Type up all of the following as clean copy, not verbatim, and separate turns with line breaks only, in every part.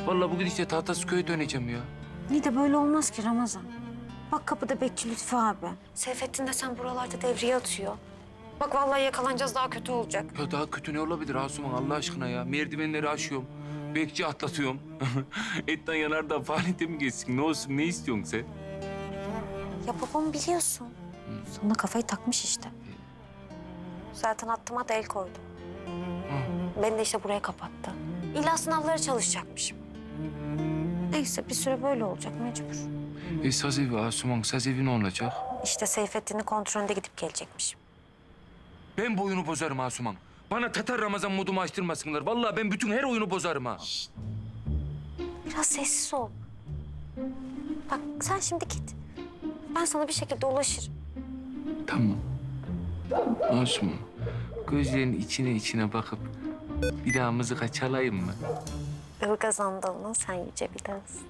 Vallahi bu gidişle Tahtasköy'e döneceğim ya.
İyi de böyle olmaz ki Ramazan. Bak kapıda bekçi Lütfü abi. Seyfettin de sen buralarda devriye atıyor. Bak vallahi yakalanacağız, daha kötü olacak.
Ya daha kötü ne olabilir Asuman Allah aşkına ya? Merdivenleri aşıyorum. Bekçi atlatıyorum. Etten yanardan faaliyete mi geçsin? Ne olsun ne istiyorsun sen?
Ya babamı biliyorsun. Sonra kafayı takmış işte. Zaten attıma da el koydu. Beni de işte buraya kapattı. İlla sınavlara çalışacakmışım. Neyse bir süre böyle olacak mecbur.
Saz evi Asuman, saz evi ne olacak?
İşte Seyfettin'in kontrolünde gidip gelecekmişim.
Ben bu oyunu bozarım Asuman. Bana Tatar Ramazan modumu açtırmasınlar. Vallahi ben bütün her oyunu bozarım ha.
Biraz sessiz ol. Bak sen şimdi git. Ben sana bir şekilde ulaşırım.
Tamam. Asuman, gözlerinin içine bakıp bir daha mızıka çalayım mı?
Ilgaz Anadolu'nun sen yüce bir dans.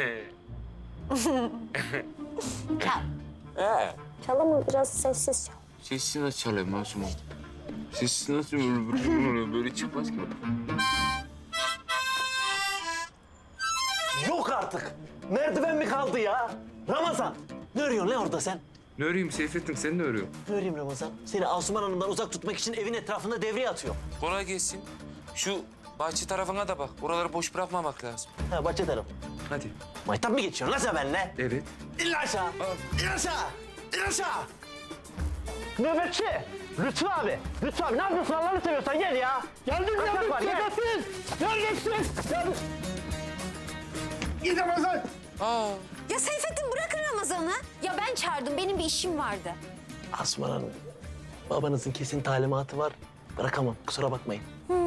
Çal. Çal ama biraz sessiz çal.
Sessiz nasıl çalayım Asuman? Sessiz nasıl böyle çıkmaz ki?
Yok artık. Merdiven mi kaldı ya? Ramazan, ne örüyorsun lan orada sen?
Ne öreyim Seyfettin, sen ne örüyorsun?
Ne öreyim Ramazan? Seni Asuman Hanım'dan uzak tutmak için evin etrafında devriye atıyor.
Kolay gelsin. Şu bahçe tarafına da bak. Oraları boş bırakmamak lazım.
Ha, bahçe tarafı.
Hadi.
Maytap mı geçiyorsun lan sen benimle?
Evet.
İn lan aşağı. İn aşağı. İn aşağı. Nöbetçi. Lütfü abi. Lütfü abi ne yapıyorsun Allah'ını seviyorsan gel ya. Geldim nöbetçi. Neredesin? Geldim. Git Ramazan.
Aa.
Ya Seyfettin bırakın Ramazan'ı. Ya ben çağırdım, benim bir işim vardı.
Asuman Hanım, babanızın kesin talimatı var. Bırakamam, kusura bakmayın.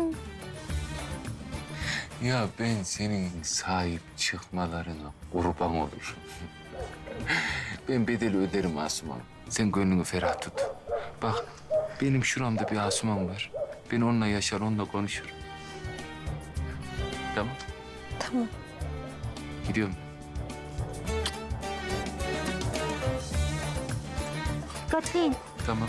Ya ben senin sahip çıkmalarına kurban olurum. Ben bedeli öderim Asuman. Sen gönlünü ferah tut. Bak benim şuramda bir Asuman var. Ben onunla yaşar, onunla konuşurum. Tamam.
Tamam.
Gidiyorum.
Dikkatli.
Tamam.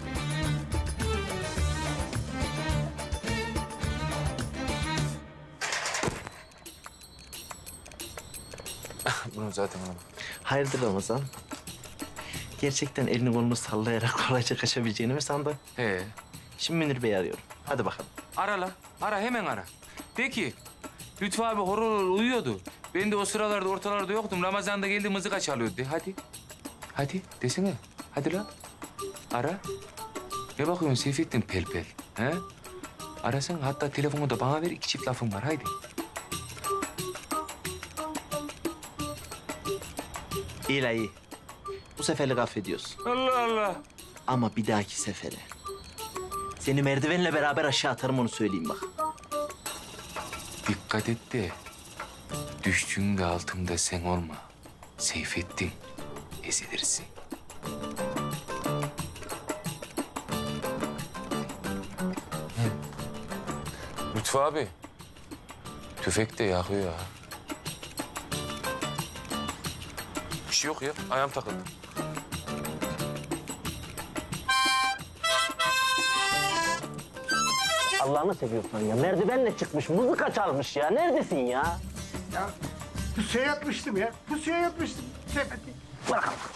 Bunu zaten alamam.
Hayırdır Ramazan? Gerçekten elini kolunu sallayarak kolayca kaçabileceğini mi sandın?
He.
Şimdi Münir Bey'i arıyorum. Hadi bakalım.
Ara la. Ara hemen ara. De ki Lütfü abi horul uyuyordu. Ben de o sıralarda ortalarda yoktum. Ramazan'da geldi mızıka çalıyordu. De hadi. Hadi desene. Hadi lan. Ara. Ne bakıyorsun Seyfettin pel pel? He? Arasana. Hatta telefonu da bana ver. 2 çift lafım var. Haydi.
İyi la iyi. Bu seferlik affediyoruz.
Allah Allah.
Ama bir dahaki sefere seni merdivenle beraber aşağı atarım onu söyleyeyim bak.
Dikkat et de düştüğünde altında sen olma. Seyfettin. Ezilirsin. Lütfü abi. Tüfek de yakıyor ha. Bir şey yok ya. Ayağım takıldı.
Allah'ını seviyorsan ya. Merdivenle çıkmış, mızıka çalmış ya. Neredesin ya?
Ya pusuya yatmıştım ya. Pusuya yatmıştım. Sepeti.
Bırak.